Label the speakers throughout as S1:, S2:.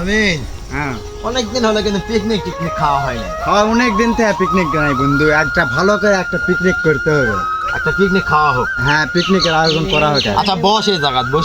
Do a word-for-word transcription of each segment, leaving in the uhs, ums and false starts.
S1: আমি
S2: হ্যাঁ
S1: অনেকদিন হলো কিন্তু পিকনিক টিকনিক খাওয়া হয়নি।
S2: হয় অনেক দিন থেকে পিকনিক নাই বন্ধু, একটা ভালো করে একটা পিকনিক করতে হবে।
S1: একটা পিকনিক খাওয়া হোক।
S2: হ্যাঁ পিকনিকের আয়োজন করা হোক।
S1: আচ্ছা বস এই জায়গা বস।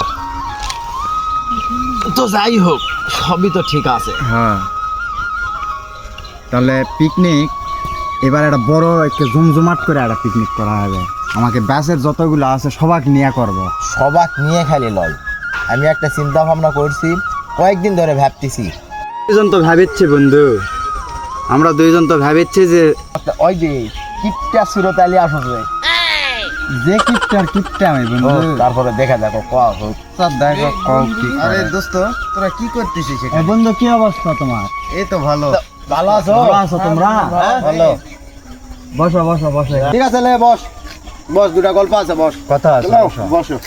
S1: তো যাই হোক সবই তো ঠিক আছে।
S2: হ্যাঁ তাহলে পিকনিক এবার একটা বড় একটা জমজমাট করে একটা পিকনিক করা হবে। আমাকে ব্যাসের যতগুলো আছে সবাক নিয়ে করব।
S1: সবাক নিয়ে খালি লয়, আমি একটা চিন্তা ভাবনা করছি, কয়েকদিন ধরে ভাবতেছি।
S2: দুইজন তো ভাবিচ্ছি বন্ধু, আমরা দুইজন তো ভাবিচ্ছি যে
S1: ওই যে কিপটা সুরতালি আসবে,
S2: যে কিপটার কিপটা আমি বন্ধু।
S1: তারপরে দেখা দেখো কোয়া হোক।
S2: স্যার দেখো কও কি করে।
S1: আরে দোস্ত তোরা কি করতেছিস
S2: এ বন্ধু কি অবস্থা তোমার?
S1: এই তো ভালো। ভালো আছো?
S2: ভালো আছো তোমরা?
S1: হ্যাঁ, ভালো।
S2: বসো বসো বসো।
S1: ঠিক আছে লে বস বস, দুটা গল্প আছে বস।
S2: কথা আছে
S1: চলো,
S2: বসো।
S1: বসো।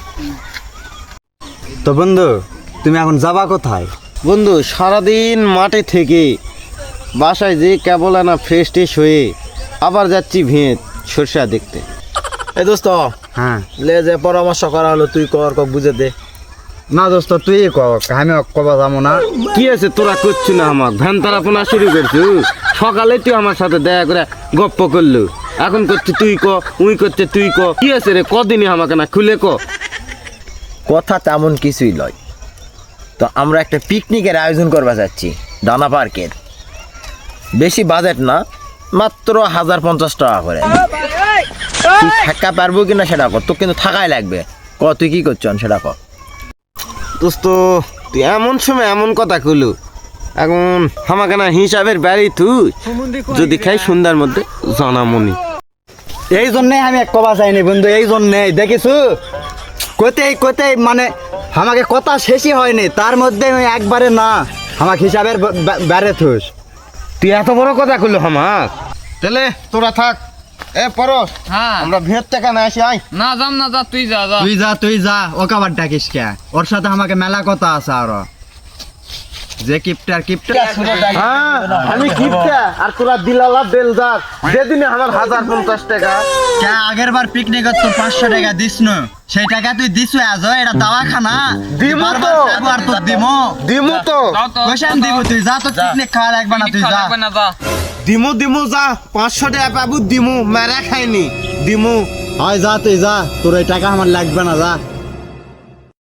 S2: তো বন্ধু তুমি এখন যাবা কোথায়?
S1: বন্ধু সারাদিন মাঠে থেকে বাসায় যে কেবল না ফ্রেশ ট্রেশ হয়ে আবার যাচ্ছি ভিঁত সরষা দেখতে। এই দোস্ত
S2: হ্যাঁ
S1: লে যে পরামর্শ করা হলো তুই কর কক বুঝে দে।
S2: না দোস্ত তুই ক, আমি কবা যাবো না।
S3: কি আছে তোরা করছি না আমাকে ভ্যান তারাপনা শুরু করছু? সকালে তুই আমার সাথে দেখা করে গপ্প করলু, এখন করছি তুই ক, উই করছে তুই ক। কি আছে রে, কদিনই আমাকে না খুলে ক।
S1: কথা তেমন কিছুই লয়, তো আমরা একটা পিকনিকের আয়োজন করবা যাচ্ছি ডানা পার্কের। বেশি বাজেট না, মাত্র হাজার পঞ্চাশ টাকা করে। তুই থাকা পারবো কিনা সেটা কর, তোর কিন্তু থাকাই লাগবে। ক তুই কি করছন সেটা কর।
S3: দোস্ত তুই এমন সময় এমন কথা কলু, এখন আমাকে না হিসাবের বাড়ি তুই যদি খাই সন্ধ্যার মধ্যে জানামনি।
S2: এই জন্যে আমি এক কবা চাইনি বন্ধু, এই জন্যে দেখিছু কোথায় কোথায় মানে আমাকে কথা শেষই হয়নি, তার মধ্যে আমি একবারে না আমাকে হিসাবের বেড়ে থুস।
S3: তুই এত বড় কথা কলু আমাক।
S1: তাহলে তোরা থাক, এ পরশ
S4: হ্যাঁ
S1: আমরা ভিড় থেকে না আসি আই।
S4: না যাম না, যা তুই যা যা।
S2: তুই যা তুই যা, ওকে আবার ডাকিস কে? ওর সাথে আমাকে মেলা কথা আছে আরো। যে কিপটার কিপটা।
S3: হ্যাঁ আমি কিপটা আর তোরা দিলালা বেলদার, যেদিনে আমার হাজার পঞ্চাশ টাকা।
S2: কে আগের বার পিকনিকে তো পাঁচশো টাকা দিস না, সেই টাকা তুই দিস আজ এটা দাওয়াখানা
S3: দিমু তো।
S2: বারবার যাবো আর তোর দিমো
S3: দিমু তো
S4: যাও তো,
S2: কোশান দিব, তুই যা তো পিকনিক খাওয়া লাগবে না, তুই
S4: খাওয়া
S2: যা।
S4: লাগবে না, যা।
S3: দিমু দিমু যা, পাঁচশো টাকা পাবো দিমু, মেরা খাইনি দিমু।
S2: হয় যা তুই যা, তোর এই টাকা আমার লাগবে না, যা।